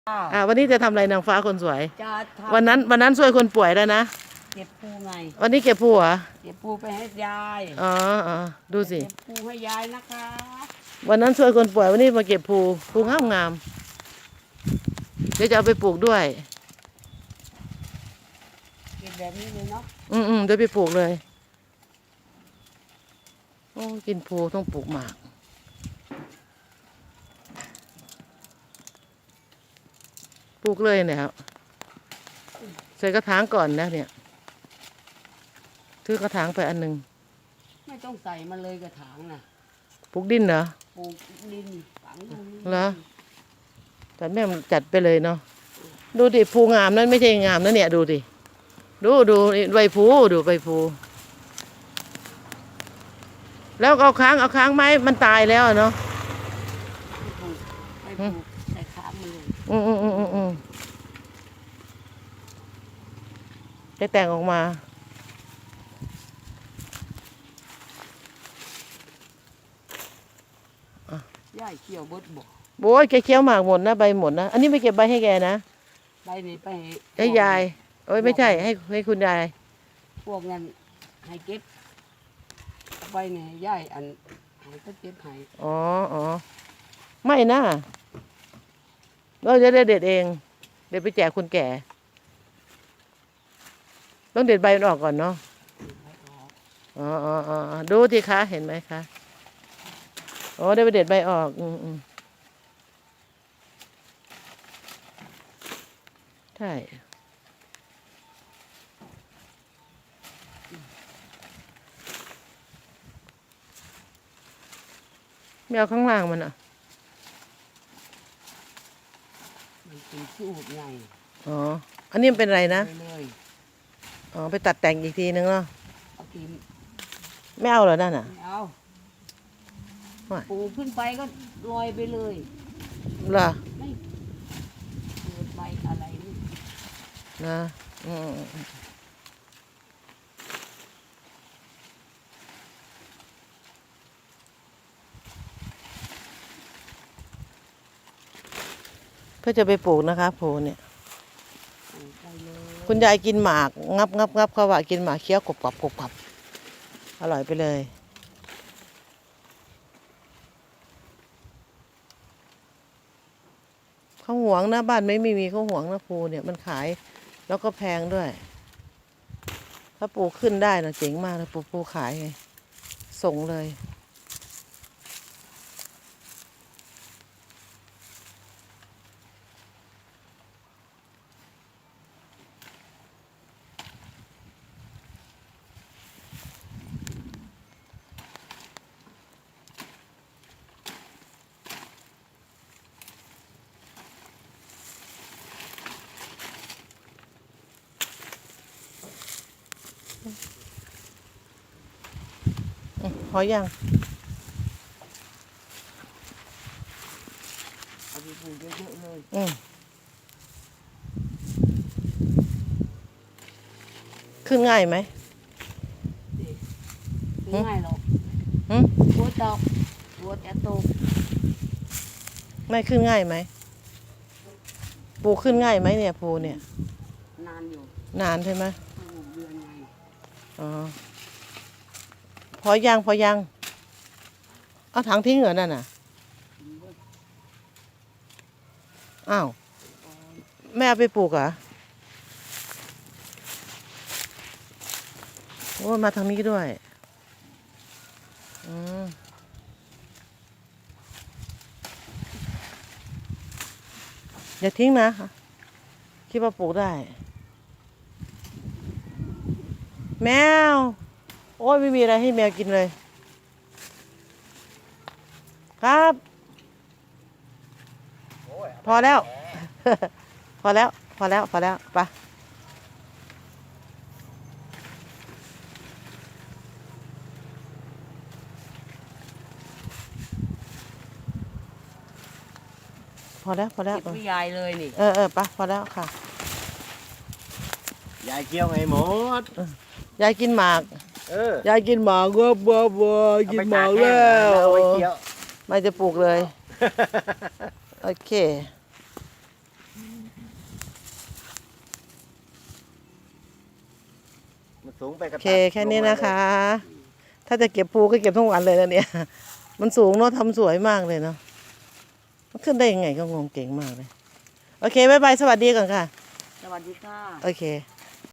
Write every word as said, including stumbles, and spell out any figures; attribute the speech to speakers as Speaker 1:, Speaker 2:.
Speaker 1: อ่าวันนี้จะทำอะไรนางฟ้าคนสวย
Speaker 2: จะทำ
Speaker 1: วันนั้นวันนั้นช่วยคนป่วยแล้วนะ
Speaker 2: เก็บปูไง
Speaker 1: วันนี้เก็บผัว
Speaker 2: เก็บปูไปให้ยาย
Speaker 1: อ๋ออ๋อดูสิ
Speaker 2: เก็บปูให้ยายนะคะ
Speaker 1: วันนั้นช่วยคนป่วยวันนี้มาเก็บภูภูงามงามเดี๋ยวจะเอาไปปลูกด้วย
Speaker 2: เก็บแบบนี้เลยเนาะ
Speaker 1: อืมอืมเดี๋ยวไปปลูกเลยโอ้กินภูต้องปลูกหมากปลูกเลยเนี่ยครับใส่กระถางก่อนนะเนี่ยซื้อกระถางไปอันหนึ่ง
Speaker 2: ไม่ต้องใส่มาเลยกระถางน่ะ
Speaker 1: ปลูกดินเหรอ
Speaker 2: ปลูกดินฝังลง
Speaker 1: เหรอ แต่แม่มันจัดไปเลยเนาะดูดิภูงามนั่นไม่ใช่งามนะเนี่ยดูดิดูดูใบภูดูใบภูแล้วเอาค้างเอาค้างไม้มันตายแล้วเนาะ
Speaker 2: ไม่ปลูกไม่ปลูกใส่ค้างมาเลย
Speaker 1: อืมอืมอืมอืมอืมจะแต่งออกมา
Speaker 2: ย่ายเกี่ยวเบิดบอก
Speaker 1: โอ้ยแกเคี้ยวหมากหมดนะใบหมดนะอันนี้ไม่เก็บใบให้แกนะ
Speaker 2: ใบนี้ไป
Speaker 1: ให้ยายโอ้ยไม่ใช่ให้ให้คุณยาย
Speaker 2: พวกนั้นให้เก็บเอาไปเนี่ยให้ย่ายอันให้ก็เก็บให้
Speaker 1: อ๋ออ๋อไม่นะเราจะได้เด็ดเองเด็ดไปแจกคนแก่ต้องเด็ดใบมันออกก่อนเนาะ
Speaker 2: ไม่ออก
Speaker 1: อ๋ออ๋ออ๋อดูสิคะเห็นไหมคะอ๋อได้ไปเด็ดใบออกอืมอืมใช่ไม่เอาข้างล่างมันอ่ะ
Speaker 2: มันเป็นสูบไง
Speaker 1: อ๋ออันนี้มันเป็นอะไรนะ
Speaker 2: ไปเลย
Speaker 1: อ๋อไปตัดแต่งอีกทีนึงเนาะ
Speaker 2: เอากิน
Speaker 1: ไม่เอาเหรอนั่นอ่ะ
Speaker 2: ไม่เอา
Speaker 1: ไม่
Speaker 2: ปูขึ้นไปก็ลอยไปเลย
Speaker 1: เหรอ
Speaker 2: ไม่เกิดใบอะไรนี่
Speaker 1: นะอืมอืมเพื่อจะไปปลูกนะคะโพเนี่ย
Speaker 2: ปลูกไปเลย
Speaker 1: คุณยายกินหมากงับงับงับเขาว่ากินหมากเคี้ยวกรุบกรับกรุบกรับอร่อยไปเลยเขาหวงนะบ้านไม่มีมีเขาหวงนะภูเนี่ยมันขายแล้วก็แพงด้วย ถ้าปลูกขึ้นได้นะเจ๋งมากเลยปลูกภูขายไงส่งเลย อืมพอยัง
Speaker 2: เอาไปปลูกเยอะๆเลย
Speaker 1: อืมขึ้นง่ายไหม
Speaker 2: ไม่ง่ายหรอก
Speaker 1: หืม
Speaker 2: หัวตกหัวจะตก
Speaker 1: ไม่ขึ้นง่ายไหมปลูกขึ้นง่ายไหมเนี่ยภูเนี่ย
Speaker 2: นานอยู่
Speaker 1: นานใช่ไหม
Speaker 2: ปลูกเดือนไง
Speaker 1: อ๋อพอยังพอยังเอาถังทิ้งเหรอนั่นน่ะอ้าวแม่เอาไปปลูกเหรอโอ้ยมาทางนี้ด้วยอืมอย่าทิ้งนะคิดว่าปลูกได้ แมวโอ้ยไม่มีอะไรให้แมวกินเลยครับพอแล้ว พอแล้วพอแล้วพอแล้วไปพอแล้วพอแล้ว
Speaker 2: เก็บไว้ยายเลยนี่
Speaker 1: เออเออไปพอแล้วค่ะ
Speaker 3: ยายเกี่ยวไงหมด
Speaker 1: ยายกินหมาก
Speaker 3: เออย
Speaker 1: ายกินหมากวัววัววัวกินหมากแล้ว
Speaker 3: เอาไปเกี่ยว
Speaker 1: ไม่จะปลูกเลย โอเค
Speaker 3: มันสูงไปก
Speaker 1: โอ
Speaker 3: ระ
Speaker 1: เค
Speaker 3: ตัด
Speaker 1: แค่นี้
Speaker 3: ลงมา
Speaker 1: นะคะ
Speaker 3: เลย
Speaker 1: ถ้าจะเก็บภูก็เก็บทั้งวันเลยนะเนี่ย มันสูงเนาะทำสวยมากเลยเนาะมันขึ้นได้ยังไงก็งงเก่งมากเลย โอเค บ๊ายบาย สวัสดีก่อนค่ะ
Speaker 2: สวัสดีค่ะ
Speaker 1: โอเค